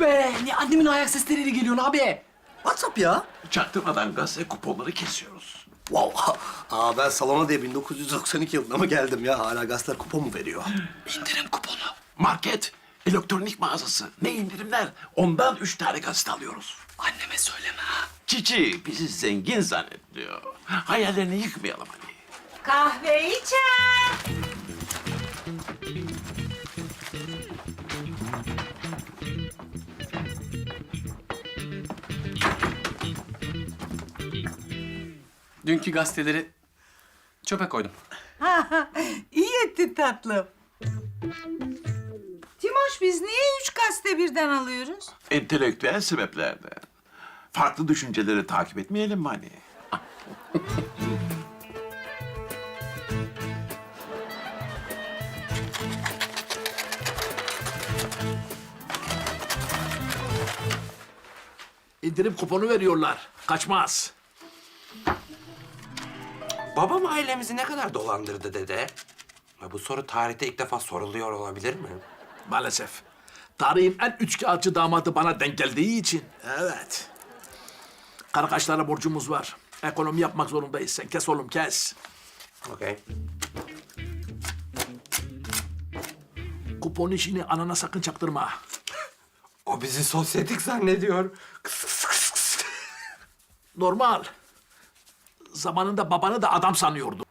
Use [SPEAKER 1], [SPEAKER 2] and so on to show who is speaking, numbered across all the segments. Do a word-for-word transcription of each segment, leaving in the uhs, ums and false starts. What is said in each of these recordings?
[SPEAKER 1] be! Niye annemin ayak sesleriyle geliyorsun abi?
[SPEAKER 2] WhatsApp ya.
[SPEAKER 3] Çaktırmadan gazete kuponları kesiyoruz.
[SPEAKER 2] Wow. Aa, ben salona diye bin dokuz yüz doksan iki yılında mı geldim ya? Hala gazeteler kupon mu veriyor?
[SPEAKER 3] İndirim kuponu. Market, elektronik mağazası. Ne indirimler? Ondan üç tane gazete alıyoruz.
[SPEAKER 1] Anneme söyleme ha.
[SPEAKER 3] Cici bizi zengin zannediyor. Hayallerini yıkmayalım hani.
[SPEAKER 4] Kahve içer.
[SPEAKER 1] Dünkü gazeteleri çöpe koydum.
[SPEAKER 4] İyi ettin tatlım. Timoş, biz niye üç gazete birden alıyoruz?
[SPEAKER 3] Entelektüel sebeplerden. Farklı düşünceleri takip etmeyelim mi hani? İndirim kuponu veriyorlar. Kaçmaz.
[SPEAKER 5] Babam ailemizi ne kadar dolandırdı dede? Ya bu soru tarihte ilk defa soruluyor olabilir mi?
[SPEAKER 3] Maalesef. Tarihin en üçkağıtçı damadı bana denk geldiği için. Evet. Karakaşlara borcumuz var. Ekonomi yapmak zorundayız. Sen kes oğlum, kes.
[SPEAKER 5] Okey.
[SPEAKER 3] Kupon işini anana sakın çaktırma.
[SPEAKER 5] O bizi sosyetik zannediyor. Kıs kıs kıs kıs.
[SPEAKER 3] Normal. Zamanında babanı da adam sanıyordu.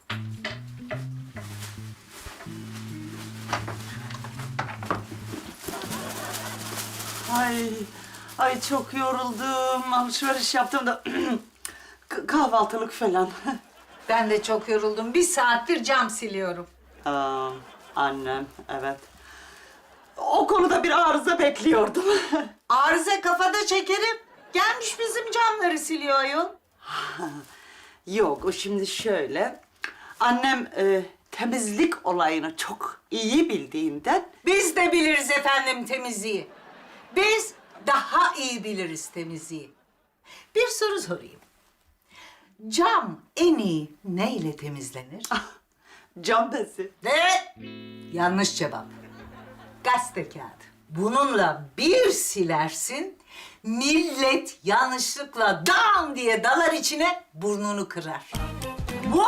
[SPEAKER 6] Ay, ay çok yoruldum. Alışveriş yaptım da K- kahvaltılık falan.
[SPEAKER 4] Ben de çok yoruldum. Bir saattir cam siliyorum.
[SPEAKER 6] Aa, annem, evet. O konuda bir arıza bekliyordum.
[SPEAKER 4] Arıza kafada şekerim. Gelmiş bizim camları siliyor ayol.
[SPEAKER 6] Yok, o şimdi şöyle. Annem e, temizlik olayını çok iyi bildiğinden...
[SPEAKER 4] Biz de biliriz efendim temizliği. Biz daha iyi biliriz temizliği. Bir soru sorayım. Cam en iyi neyle temizlenir?
[SPEAKER 6] Cam bezi.
[SPEAKER 4] Ve yanlış cevap. Gazete kağıdı. Bununla bir silersin, millet yanlışlıkla dam diye dalar içine, burnunu kırar. Bu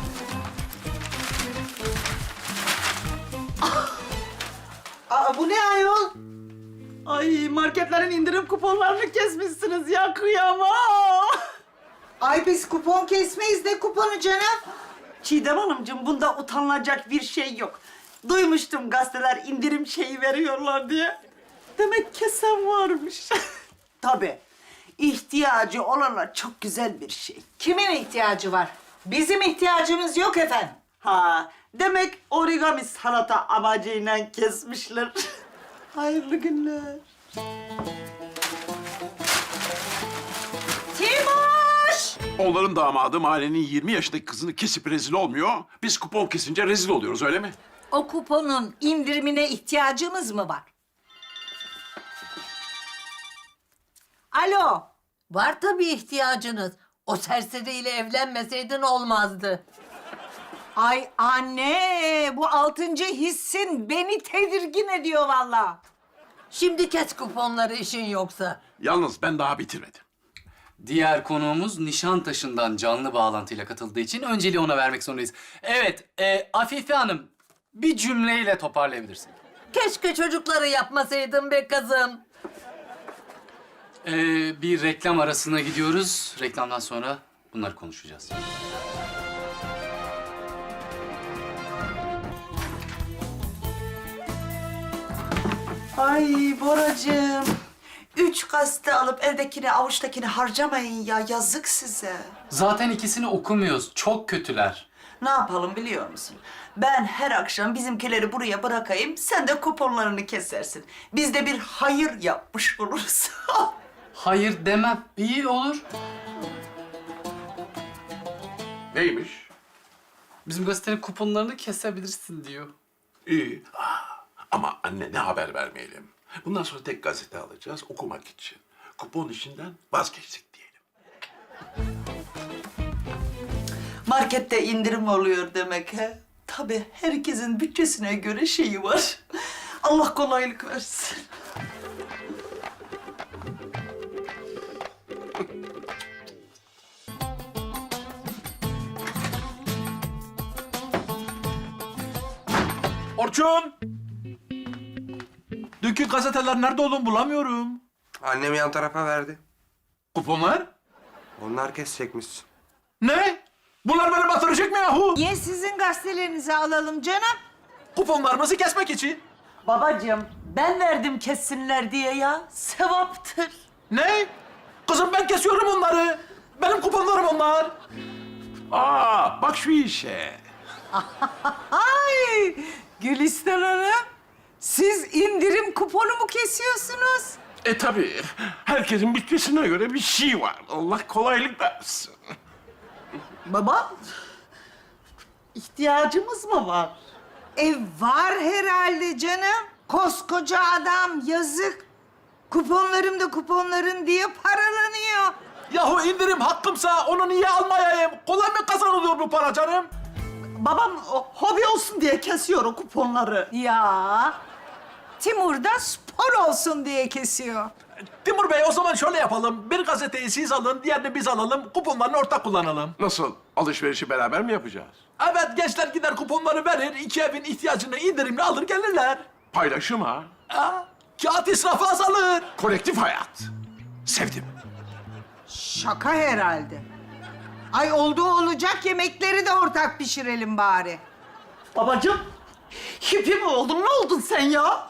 [SPEAKER 6] Aa, bu ne ayol? Ay, marketlerin indirim kuponlarını kesmişsiniz ya, kıyamam.
[SPEAKER 4] ay biz kupon kesmeyiz, ne kuponu canım?
[SPEAKER 6] Çiğdem Hanımcığım, bunda utanılacak bir şey yok. Duymuştum gazeteler indirim şeyi veriyorlar diye. Demek kesen varmış. Tabii. İhtiyacı olana çok güzel bir şey.
[SPEAKER 4] Kimin ihtiyacı var? Bizim ihtiyacımız yok efendim.
[SPEAKER 6] Ha, demek origami sanata amacıyla kesmişler. Hayırlı günler.
[SPEAKER 4] Timoş!
[SPEAKER 3] Onların damadı mahallenin yirmi yaşındaki kızını kesip rezil olmuyor. Biz kupon kesince rezil oluyoruz, öyle mi?
[SPEAKER 4] O kuponun indirimine ihtiyacımız mı var? Alo.
[SPEAKER 7] Var tabii ihtiyacınız. O serseriyle evlenmeseydin olmazdı.
[SPEAKER 4] Ay anne, bu altıncı hissin beni tedirgin ediyor vallahi.
[SPEAKER 7] Şimdi kes kuponları işin yoksa.
[SPEAKER 3] Yalnız ben daha bitirmedim.
[SPEAKER 1] Diğer konuğumuz Nişantaşı'ndan canlı bağlantıyla katıldığı için önceliği ona vermek zorundayız. Evet, e, Afife Hanım bir cümleyle toparlayabilirsin.
[SPEAKER 7] Keşke çocukları yapmasaydın be kızım.
[SPEAKER 1] E, bir reklam arasına gidiyoruz. Reklamdan sonra bunları konuşacağız.
[SPEAKER 6] Ay Boracığım. Üç gazete alıp evdekini, avuçtakini harcamayın ya. Yazık size.
[SPEAKER 1] Zaten ikisini okumuyoruz. Çok kötüler.
[SPEAKER 6] Ne yapalım biliyor musun? Ben her akşam bizimkileri buraya bırakayım, sen de kuponlarını kesersin. Biz de bir hayır yapmış oluruz.
[SPEAKER 1] Hayır demem. İyi olur.
[SPEAKER 3] Neymiş?
[SPEAKER 1] Bizim gazetenin kuponlarını kesebilirsin diyor.
[SPEAKER 3] İyi. Ah, ama anne ne haber vermeyelim. Bundan sonra tek gazete alacağız okumak için. Kupon işinden vazgeçtik diyelim.
[SPEAKER 6] Markette indirim oluyor demek he. Tabii herkesin bütçesine göre şeyi var. Allah kolaylık versin.
[SPEAKER 3] Orçun! Dünkü gazeteler nerede oğlum bulamıyorum.
[SPEAKER 5] Annem yan tarafa verdi.
[SPEAKER 3] Kuponlar?
[SPEAKER 5] Onlar kesecekmiş.
[SPEAKER 3] Ne? Bunlar beni batıracak mı yahu?
[SPEAKER 4] Niye sizin gazetelerinizi alalım canım?
[SPEAKER 3] Kuponlarımızı kesmek için.
[SPEAKER 6] Babacığım ben verdim kessinler diye ya. Sevaptır.
[SPEAKER 3] Ne? Kızım ben kesiyorum onları. Benim kuponlarım onlar. Aa, bak şu işe.
[SPEAKER 4] Ay Gülistan Hanım, siz indirim kuponu mu kesiyorsunuz?
[SPEAKER 8] E tabii. Herkesin bütçesine göre bir şey var. Allah kolaylık versin.
[SPEAKER 6] Baba, ihtiyacımız mı var?
[SPEAKER 4] E var herhalde canım. Koskoca adam yazık. Kuponlarım da kuponların diye paralanıyor.
[SPEAKER 3] Yahu indirim hakkımsa onu niye almayayım? Kolay mı kazanılıyor bu para canım?
[SPEAKER 6] Babam o, hobi olsun diye kesiyor o kuponları.
[SPEAKER 4] Ya Timur da spor olsun diye kesiyor.
[SPEAKER 3] Timur Bey o zaman şöyle yapalım. Bir gazeteyi siz alın, diğerini biz alalım. Kuponlarını ortak kullanalım.
[SPEAKER 8] Nasıl? Alışverişi beraber mi yapacağız?
[SPEAKER 3] Evet gençler gider kuponları verir. İki evin ihtiyacını indirimli alır gelirler.
[SPEAKER 8] Paylaşım ha.
[SPEAKER 3] Ha? Kağıt israfı azalır.
[SPEAKER 8] Kolektif hayat. Sevdim.
[SPEAKER 4] Şaka herhalde. Ay oldu olacak yemekleri de ortak pişirelim bari.
[SPEAKER 6] Babacığım, hippi mi oldun? Ne oldun sen ya?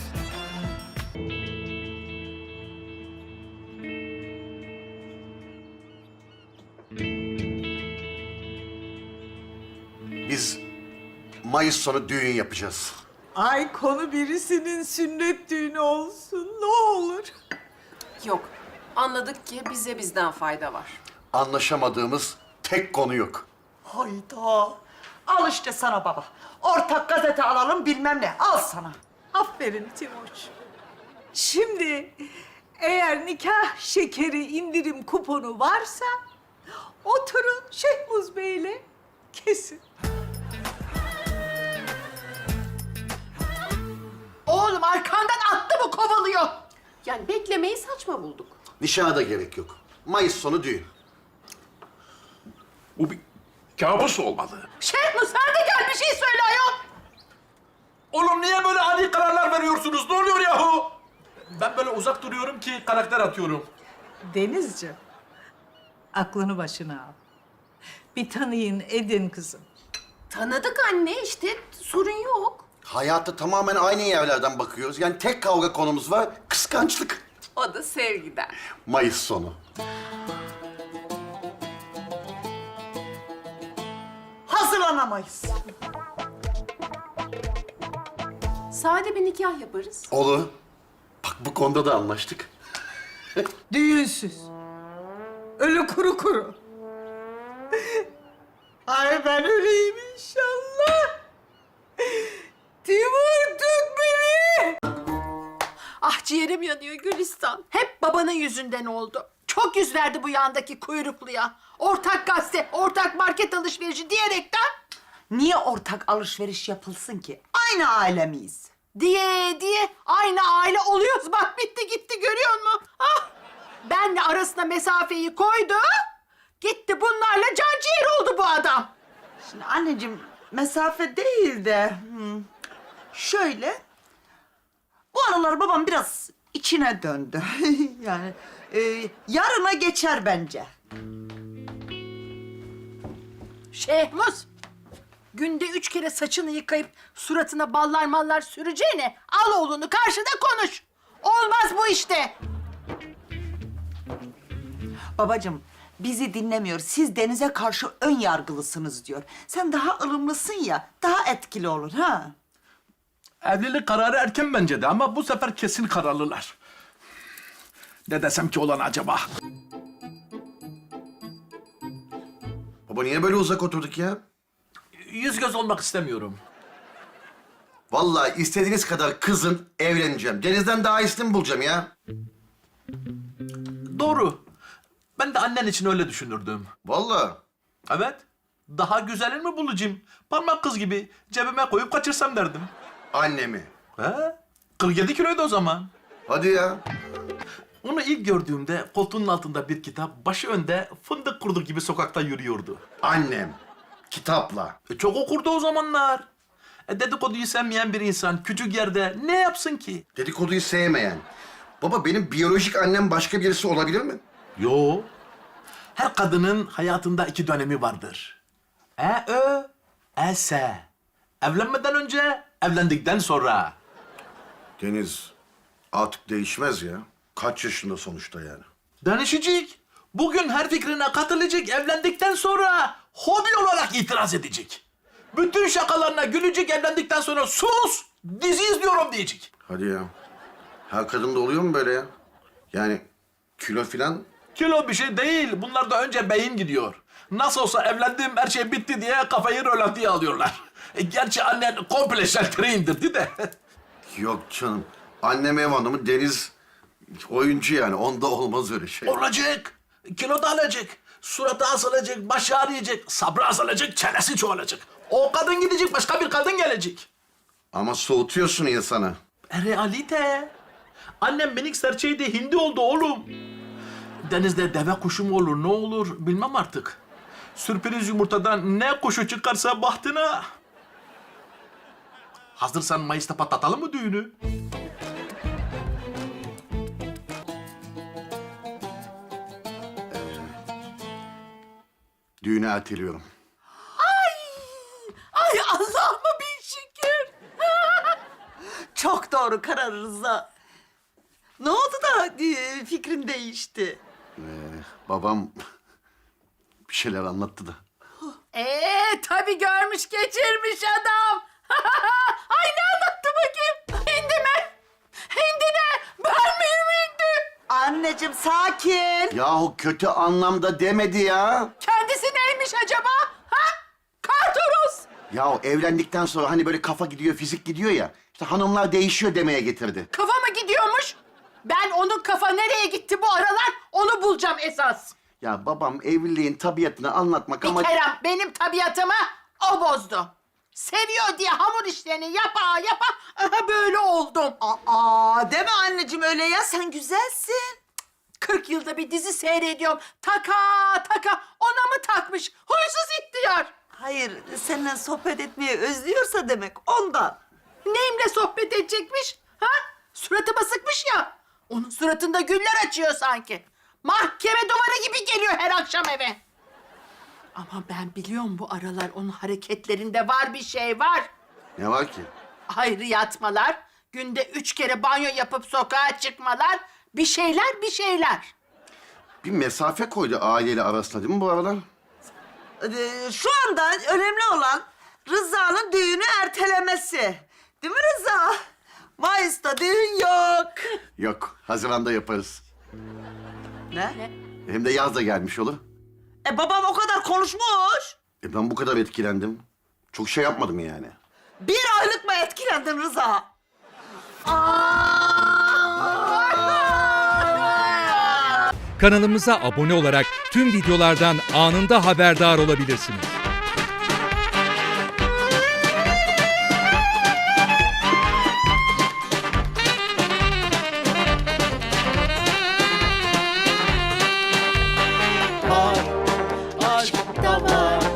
[SPEAKER 2] Biz Mayıs sonu düğün yapacağız.
[SPEAKER 4] Ay konu birisinin sünnet düğünü olsun ne olur.
[SPEAKER 9] Yok. Anladık ki bize bizden fayda var.
[SPEAKER 2] Anlaşamadığımız tek konu yok.
[SPEAKER 6] Hayda. Al işte sana baba. Ortak gazete alalım bilmem ne. Al sana.
[SPEAKER 4] Aferin Timur. Şimdi eğer nikah şekeri indirim kuponu varsa oturun Şehmuz Bey'le kesin.
[SPEAKER 7] Oğlum arkandan attı mı kovalıyor?
[SPEAKER 9] Yani beklemeyi saçma bulduk.
[SPEAKER 2] Nişana da gerek yok. Mayıs sonu düğün.
[SPEAKER 8] Bu bir kabus olmalı.
[SPEAKER 7] Şehmus hadi gel bir şey söyle ayol.
[SPEAKER 3] Oğlum niye böyle ani kararlar veriyorsunuz? Ne oluyor yahu? Ben böyle uzak duruyorum ki karakter atıyorum.
[SPEAKER 4] Denizciğim, aklını başına al. Bir tanıyın edin kızım.
[SPEAKER 9] Tanıdık anne işte sorun yok.
[SPEAKER 2] Hayatta tamamen aynı yerlerden bakıyoruz. Yani tek kavga konumuz var, kıskançlık.
[SPEAKER 9] O da sevgiden.
[SPEAKER 2] Mayıs sonu.
[SPEAKER 6] Hazırlanamayız.
[SPEAKER 9] Sade bir nikah yaparız.
[SPEAKER 2] Olur. Bak bu konuda da anlaştık.
[SPEAKER 4] Düğünsüz. Ölü kuru kuru. Ay ben öleyim inşallah. Timur tut beni.
[SPEAKER 7] Ah ciğerim yanıyor Gülistan. Hep babanın yüzünden oldu. Çok yüz verdi bu yandaki kuyrukluya. Ortak gazete, ortak market alışverişi diyerekten
[SPEAKER 6] Niye ortak alışveriş yapılsın ki? Aynı aile miyiz?
[SPEAKER 7] diye diye aynı aile oluyoruz. Bak bitti gitti görüyor musun? Ah! Benle arasına mesafeyi koydu. Gitti bunlarla can ciğer oldu bu adam.
[SPEAKER 6] Şimdi anneciğim mesafe değil de hmm, şöyle bu aralar babam biraz içine döndü. yani e, yarına geçer bence.
[SPEAKER 7] Şehmus, günde üç kere saçını yıkayıp suratına ballar mallar süreceğine al oğlunu karşıda konuş. Olmaz bu işte.
[SPEAKER 6] Babacığım bizi dinlemiyor. Siz Deniz'e karşı ön yargılısınız diyor. Sen daha ılımlısın ya, daha etkili olur ha.
[SPEAKER 3] Evlilik kararı erken bence de ama bu sefer kesin kararlılar. Ne desem ki olan acaba?
[SPEAKER 2] Baba niye böyle uzak oturduk ya?
[SPEAKER 3] Yüz göz olmak istemiyorum.
[SPEAKER 2] Vallahi istediğiniz kadar kızın, evleneceğim. Deniz'den daha iyisini bulacağım ya.
[SPEAKER 3] Doğru. Ben de annen için öyle düşünürdüm.
[SPEAKER 2] Vallahi.
[SPEAKER 3] Evet. Daha güzelini mi bulacağım? Parmak kız gibi cebime koyup kaçırsam derdim.
[SPEAKER 2] Annemi.
[SPEAKER 3] He? kırk yedi kiloydu o zaman.
[SPEAKER 2] Hadi ya.
[SPEAKER 3] Onu ilk gördüğümde koltuğunun altında bir kitap, başı önde fındık kurdu gibi sokakta yürüyordu.
[SPEAKER 2] Annem. Kitapla.
[SPEAKER 3] E, çok okurdu o zamanlar. E, dedikoduyu sevmeyen bir insan küçük yerde ne yapsın ki?
[SPEAKER 2] Dedikoduyu sevmeyen. Baba benim biyolojik annem başka birisi olabilir mi?
[SPEAKER 3] Yo. Her kadının hayatında iki dönemi vardır. E ö, e s. Evlenmeden önce, evlendikten sonra.
[SPEAKER 2] Deniz artık değişmez ya. Kaç yaşında sonuçta yani.
[SPEAKER 3] Danışacak. Bugün her fikrine katılacak, evlendikten sonra hobi olarak itiraz edecek. Bütün şakalarına gülecek, evlendikten sonra sus, dizi izliyorum diyecek.
[SPEAKER 2] Hadi ya. Her kadında oluyor mu böyle ya? Yani kilo filan.
[SPEAKER 3] Kilo bir şey değil, bunlarda önce beyin gidiyor. Nasıl olsa evlendim, her şey bitti diye kafayı rölantiye alıyorlar. E, gerçi annen komple şalteri indirdi de.
[SPEAKER 2] Yok canım. Annem ev hanımı, Deniz oyuncu yani. Onda olmaz öyle şey.
[SPEAKER 3] Olacak, kilo da alacak, suratı asılacak, başı ağrıyacak, sabrı azalacak, çenesi çoğalacak. O kadın gidecek, başka bir kadın gelecek.
[SPEAKER 2] Ama soğutuyorsun insanı.
[SPEAKER 3] E, realite. Annem minik serçeydi, hindi oldu oğlum. Denizde deve kuşu mu olur, ne olur bilmem artık. Sürpriz yumurtadan ne kuşu çıkarsa bahtına. Hazırsan Mayıs'ta patlatalım mı düğünü?
[SPEAKER 2] Düğünü erteliyorum.
[SPEAKER 7] Ay Allah'ıma bin şükür.
[SPEAKER 6] Çok doğru karar Rıza. Ne oldu da e, fikrin değişti?
[SPEAKER 2] Ee, babam bir şeyler anlattı da.
[SPEAKER 7] Ee tabii görmüş geçirmiş adam. Ay ne anlattı bakayım? Hindi mi? Hindi ne? Ben miyim hindi?
[SPEAKER 6] Anneciğim sakin.
[SPEAKER 2] Yahu kötü anlamda demedi ya.
[SPEAKER 7] Kendisi neymiş acaba? Ha? Kartoros.
[SPEAKER 2] Yahu evlendikten sonra hani böyle kafa gidiyor, fizik gidiyor ya. İşte hanımlar değişiyor demeye getirdi.
[SPEAKER 7] Kafa mı gidiyormuş? Ben onun kafa nereye gitti bu aralar onu bulacağım esas.
[SPEAKER 2] Ya babam evliliğin tabiatını anlatmak
[SPEAKER 7] Bir
[SPEAKER 2] ama...
[SPEAKER 7] Kerem benim tabiatımı o bozdu. Seviyor diye hamur işlerini yapa yapa aha böyle oldum.
[SPEAKER 6] Aa deme anneciğim öyle ya, sen güzelsin.
[SPEAKER 7] kırk yılda bir dizi seyrediyorum. Taka taka ona mı takmış? Huysuz ihtiyar.
[SPEAKER 6] Hayır, seninle sohbet etmeyi özlüyorsa demek ondan.
[SPEAKER 7] Neyimle sohbet edecekmiş? Ha? Suratıma sıkmış ya. Onun suratında güller açıyor sanki. Mahkeme duvarı gibi geliyor her akşam eve. Ama ben biliyorum bu aralar onun hareketlerinde var bir şey var.
[SPEAKER 2] Ne var ki?
[SPEAKER 7] Ayrı yatmalar, günde üç kere banyo yapıp sokağa çıkmalar, bir şeyler bir şeyler.
[SPEAKER 2] Bir mesafe koydu aileyle arasında değil mi bu aralar?
[SPEAKER 6] Ee, şu anda önemli olan Rıza'nın düğünü ertelemesi. Değil mi Rıza? Mayıs'ta düğün yok.
[SPEAKER 2] Yok, Haziran'da yaparız.
[SPEAKER 6] Ne?
[SPEAKER 2] Hem de yaz da gelmiş olur.
[SPEAKER 6] E babam o kadar konuşmuş.
[SPEAKER 2] E ben bu kadar etkilendim. Çok şey yapmadım yani.
[SPEAKER 6] Bir aylık mı etkilendin Rıza?
[SPEAKER 10] Kanalımıza abone olarak tüm videolardan anında haberdar olabilirsiniz.
[SPEAKER 11] Aşk da var.